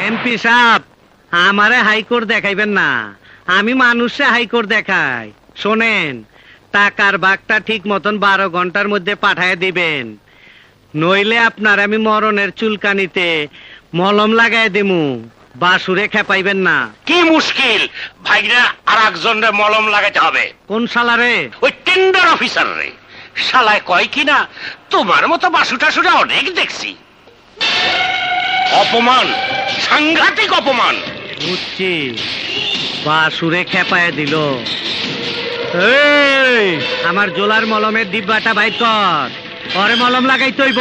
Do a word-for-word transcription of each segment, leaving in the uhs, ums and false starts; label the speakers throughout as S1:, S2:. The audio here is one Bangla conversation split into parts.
S1: এমপি সাহেব, আমারে হাইকোর্ট দেখাইবেন না, আমি মানুষে হাইকোর্ট দেখাই। শোনেন, টাকার বাগটা ঠিক মতন বারো ঘন্টার মধ্যে পাঠায় দিবেন, নইলে আপনার আমি মরণের চুলকানিতে মলম লাগাই দিমু। বাসুরে খেপাইবেন না।
S2: কি মুশকিল ভাইরা, আর একজনরে মলম লাগাতে হবে।
S1: কোন শালারে?
S2: ওই টেন্ডার অফিসার রে। শালায় কয় কিনা তোমার মতো বাসু টাসুরা অনেক দেখছি। অপমান, সাংঘাতিক অপমান।
S1: বুঝছি, বাসুরে খেপায় দিল। এই, আমার জোলার মলমের ডিব্বাটা বাইর কর, পরে মলম লাগাই তৈব।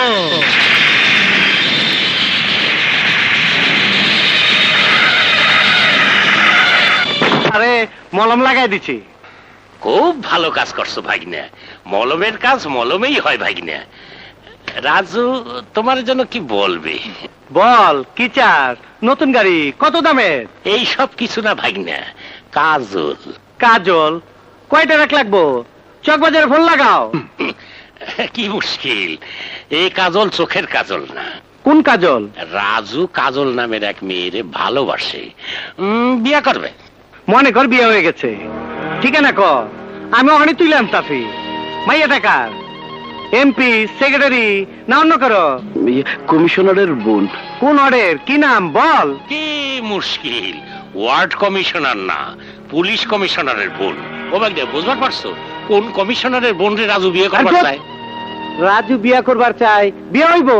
S1: আরে মলম লাগাই দিছি।
S2: খুব ভালো কাজ করছো ভাগিনা। মলমের কাজ মলমেই হয় ভাগিনা। রাজু তোমার জন্য কি বলবে?
S1: বল, কি চাস? নতুন গাড়ি? কত দামের?
S2: এই সব কিছু না ভাগিনা, কাজল।
S1: কাজল কয়টা রাখ লাগবো? চকবাজারে ফোন লাগাও।
S2: কি মুশকিল, এই কাজল চোখের কাজল না।
S1: কোন কাজল?
S2: রাজু কাজল নামের এক মেয়েরে ভালোবাসে, উম, বিয়ে করবে।
S1: মনে কর বিয়ে হয়ে গেছে, ঠিকানা ক, আমি ওখানে তুলে আনতাছি। মাইয়া টাকার এমপি, সেক্রেটারি না অন্য করো?
S3: কমিশনারের বোন।
S1: কোন অর্ডার? কি নাম বল?
S2: কি মুশকিল, ওয়ার্ড কমিশনার না, পুলিশ কমিশনারের বোন। ও ভাগ্যে বুঝবার পারছো কোন কমিশনারের বোন রে রাজু বিয়ে করবার চায়?
S1: রাজু বিয়ে করবার চাই, বিয়ে হইব।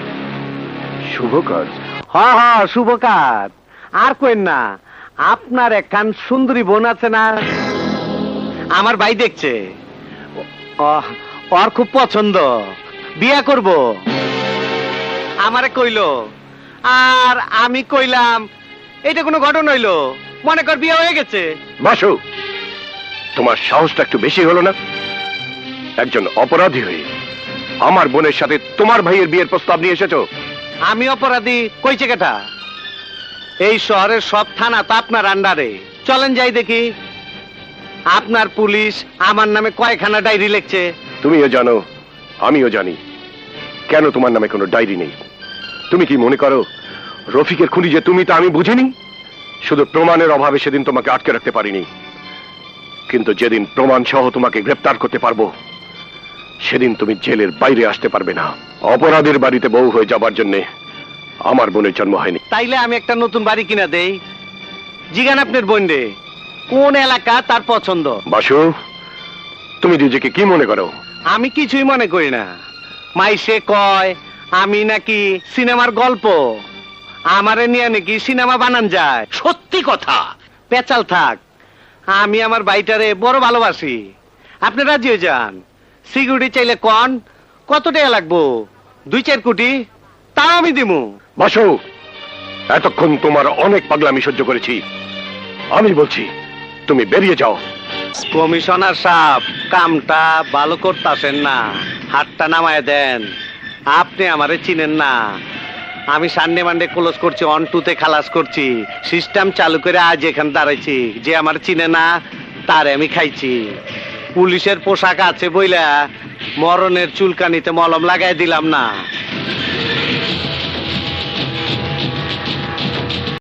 S3: শুভ কাজ।
S1: হ হ, শুভ কাজ। আর কইন না, আপনার একখান সুন্দরী বোন আছে না, আমার ভাই দেখছে, ও- ওর খুব পছন্দ, বিয়ে করব। আমারে কইলো, আর আমি কইলাম এটা কোনো ঘটনা হইলো? মনে কর বিয়ে হয়ে গেছে।
S3: বাসু, তোমার সাহসটা একটু বেশি হলো না? একজন অপরাধী হয়ে আমার বোনের সাথে তোমার ভাইয়ের বিয়ের প্রস্তাব নিয়ে এসেছো।
S1: আমি অপরাধী কইছে কেটা? এই শহরের সব থানা তো আপনার আন্ডারে। চলেন যাই দেখি। আপনার পুলিশ আমার নামে কয়খানা ডায়েরি লিখছে।
S3: তুমিও জানো, আমিও জানি, কেন তোমার নামে কোনো ডায়েরি নেই। তুমি কি মনে করো রফিকের খুনি যে তুমি, তা আমি বুঝিনি? শুধু প্রমাণের অভাবে সেদিন তোমাকে আটকে রাখতে পারিনি, কিন্তু যেদিন প্রমাণ সহ তোমাকে গ্রেফতার করতে পারবো, সেদিন তুমি জেলের বাইরে আসতে পারবে না। অপরাধের বাড়িতে বউ হয়ে যাবার জন্যে আমার বোনের জন্ম হয়নি।
S1: তাইলে আমি একটা নতুন বাড়ি কিনা দেই। জিগান আপনার বোন রে, কোন এলাকা তার পছন্দ।
S3: বাসু, তুমি নিজেকে কি মনে করো?
S1: আমি কিছুই মনে করি না। মাইসে কয় আমি নাকি সিনেমার গল্প, আমারে নিয়ে নাকি সিনেমা বানান যায়।
S2: সত্যি কথা।
S1: পেচাল থাক, আমি আমার বাইটারে বড় ভালোবাসি। আপনি রাজি হয়ে যান। সিকিউরিটি চাইলে কন, কত টাকা লাগবো? দুই চার কোটি, তাও আমি দিমু।
S3: বাসু, এতক্ষণ তোমার অনেক পাগলামি সহ্য করেছি, আমি বলছি তুমি বেরিয়ে যাও।
S1: কমিশনার সাহেব, কামটা ভালো করতেছেন না, হাতটা নামায় দেন। আপনি আমারে চিনেন না, আমি সানডে মানডে ক্লোজ করছি, অন টুতে খালাস করছি, সিস্টেম চালু করে আজ এখানে দাঁড়াইছি। যে আমার চিনে না তারে আমি খাইছি। পুলিশের পোশাক আছে বইলা মরণের চুলকানিতে মলম লাগাই দিলাম না।